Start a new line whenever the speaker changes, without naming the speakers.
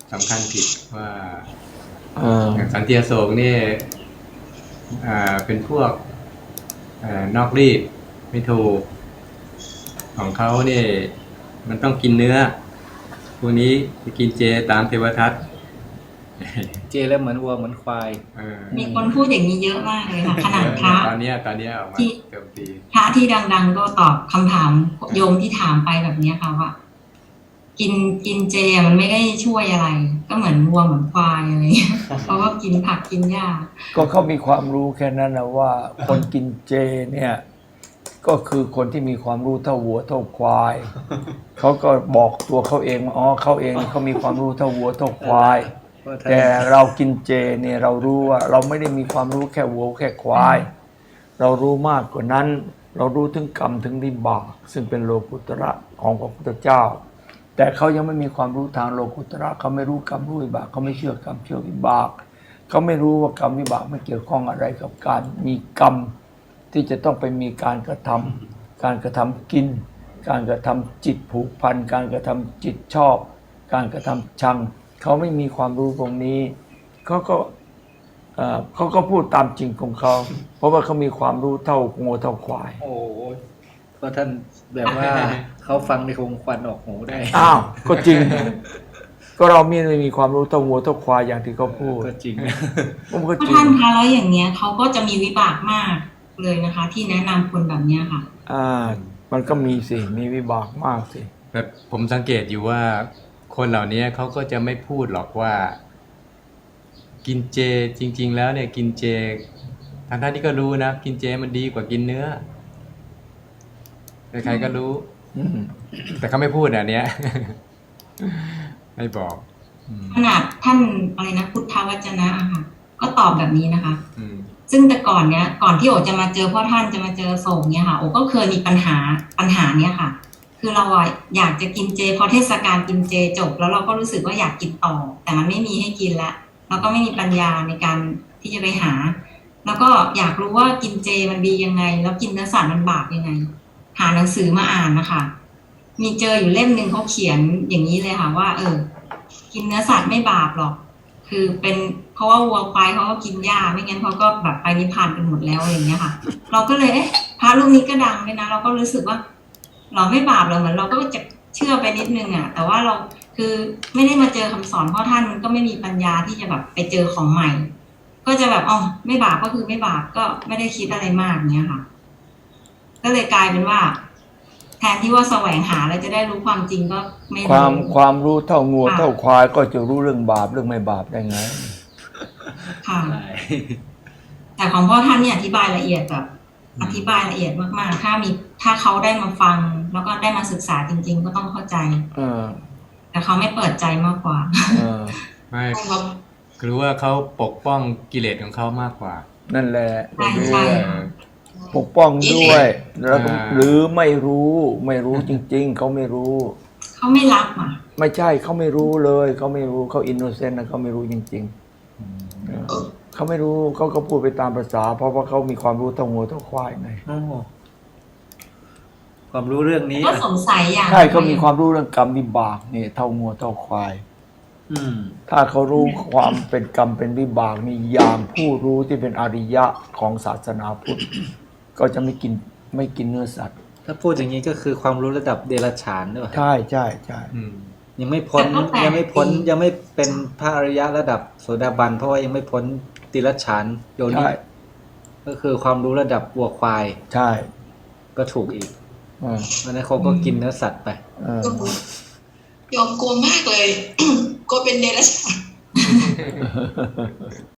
สำคัญผิดว่าอย่างสันติอโศกนี่เป็นพวกนอกรีดไม่ถูกของเขาเนี่ยมันต้องกินเนื้อพวกนี้จะกินเจตามเทวทัต
เจแล้วเหมือนวัวเหมือนควาย
มีคนพูดอย่างนี้เยอะมากเลยค่ะขนาดพระ
ตอนนี้ออกมาเติมตี
พระที่ดังๆก็ตอบคำถามโยมที่ถามไปแบบนี้ค่ะว่ากินเจมันไม่ได้ช่วยอะไรก็เหมือนวัวเหมือนควายอะไรเพราะว่ากินผักกินหญ้า
ก็เขามีความรู้แค่นั้นนะว่าคนกินเจเนี่ยก็คือคนที่มีความรู้เท่าวัวเท่าควายเขาก็บอกตัวเขาเองอ๋อเขาเองเขามีความรู้เท่าวัวเท่าควายแต่เรากินเจเนี่ยเรารู้ว่าเราไม่ได้มีความรู้แค่วัวแค่ควายเรารู้มากกว่านั้นเรารู้ถึงกรรมถึงวิบากซึ่งเป็นโลกุตระของพระพุทธเจ้าแต่เขายังไม่มีความรู้ทางโลกุตระเขาไม่รู้กรรมรู้วิบากเขาไม่เชื่อกรรมเชื่อวิบากเขาไม่รู้ว่ากรรมวิบากไม่เกี่ยวข้องอะไรกับการมีกรรมที่จะต้องไปมีการกระทำกินการกระทำจิตผูกพันการกระทำจิตชอบการกระทำชังเขาไม่มีความรู้ตรงนี้เขาก็พูดตามจริงของเขาเพราะว่าเขามีความรู้เท่างูเท่าควาย
โอ้เพราะท่านแบบว่าเขาฟังในคงควันออกหูได้
อ้าวก็จริงก็เราไม่มีความรู้เท่างูเท่าควายอย่างที่เขาพูด
ก็จริง
ก็จริงท่านคะแล้วอย่างเนี้ยเขาก็จะมีวิบากมากเลยนะคะที่แนะนำคนแบบเนี้ยค่ะ
มันก็มีสิมีวิบากมากสิ
แบบผมสังเกตอยู่ว่าคนเหล่านี้เขาก็จะไม่พูดหรอกว่ากินเจจริงๆแล้วเนี่ยกินเจทางท่านที่ก็รู้นะกินเจมันดีกว่ากินเนื้อใครๆก็รู้แต่เขาไม่พูดอันเนี้ยไม่บอก
ขนาดท่านอะไรนะพุทธวจนะค่ะก็ตอบแบบนี้นะคะซึ่งแต่ก่อนที่โอจะมาเจอพ่อท่านจะมาเจอโศกเนี่ยค่ะโอก็เคยมีปัญหาเนี้ยค่ะคือเราอยากจะกินเจพอเทศกาลกินเจจบแล้วเราก็รู้สึกว่าอยากกินต่อแต่มันไม่มีให้กินแล้วเราก็ไม่มีปัญญาในการที่จะไปหาแล้วก็อยากรู้ว่ากินเจมันดียังไงแล้วกินเนื้อสัตว์มันบาปยังไงหาหนังสือมาอ่านนะคะมีเจออยู่เล่มนึงเขาเขียนอย่างนี้เลยค่ะว่ากินเนื้อสัตว์ไม่บาปหรอกคือเป็นเพราะว่าวัวควายเขาก็กินหญ้าไม่งั้นเขาก็แบบไปนิพพานกันหมดแล้วอย่างเงี้ยค่ะเราก็เลยพระรูปนี้ก็ดังเลยนะเราก็รู้สึกว่าเราไม่บาปเราเหมือนเราก็จะเชื่อไปนิดนึงอ่ะแต่ว่าเราคือไม่ได้มาเจอคำสอนพ่อท่านมันก็ไม่มีปัญญาที่จะแบบไปเจอของใหม่ก็จะแบบไม่บาปก็คือไม่บาปก็ไม่ได้คิดอะไรมากเงี้ยค่ะก็เลยกลายเป็นว่าแทนที่ว่าแสวงหาแล้วจะได้รู้ความจริงก็ไม่
ความรู้เท่างูเท่าควายก็จะรู้เรื่องบาปเรื่องไม่บาปได้ไง
ค่ะแต่ของพ่อท่านเนี่ยอธิบายละเอียดแบบอธิบายละเอียดมากๆถ้าเขาได้มาฟังแล้วก็ได้มาศึกษาจริงๆก็ต้องเข้าใจแต่เขาไม่เปิดใจมากกว่า
ไม่รู้ว่าเขาปกป้องกิเลสของเขามากกว่า
นั่นแหละใช่ปกป้องด้วยแล้วหรือไม่รู้จริงๆเขาไม่รู้
เขาไม่รับ
ไม่ใช่เขาไม่รู้เลยเขาไม่รู้เขาอินโนเซนต์นะเขาไม่รู้จริงๆเขาไม่รู้เขาก็พูดไปตามภาษาเพราะว่าเขามีความรู้เท่างูเท่าควายไง
ความรู้เรื่องนี้
ก็สงสัยอย่าง
ใช่เขามีความรู้เรื่องกรรมวิบากนี่เท่างูเท่าควายถ้าเขารู้ความเป็นกรรมเป็นวิบากนี่อย่างผู้รู้ที่เป็นอริยะของศาสนาพุทธก็จะไม่กินเนื้อสัตว์
ถ้าพูดอย่างนี้ก็คือความรู้ระดับเดรัจฉานด้วย
ใช่
ยังไม่เป็นพระอริยะระดับโสดาบันเพราะว่ายังไม่พ้นติรัจฉานโยนิก็คือความรู้ระดับวัวควาย
ใช่
ก็ถูกอีกวันนั้นเขาก็กินเนื้อสัตว์ไป
ยอมกลัวมากเลยกลัวเป็นเดรัจฉาน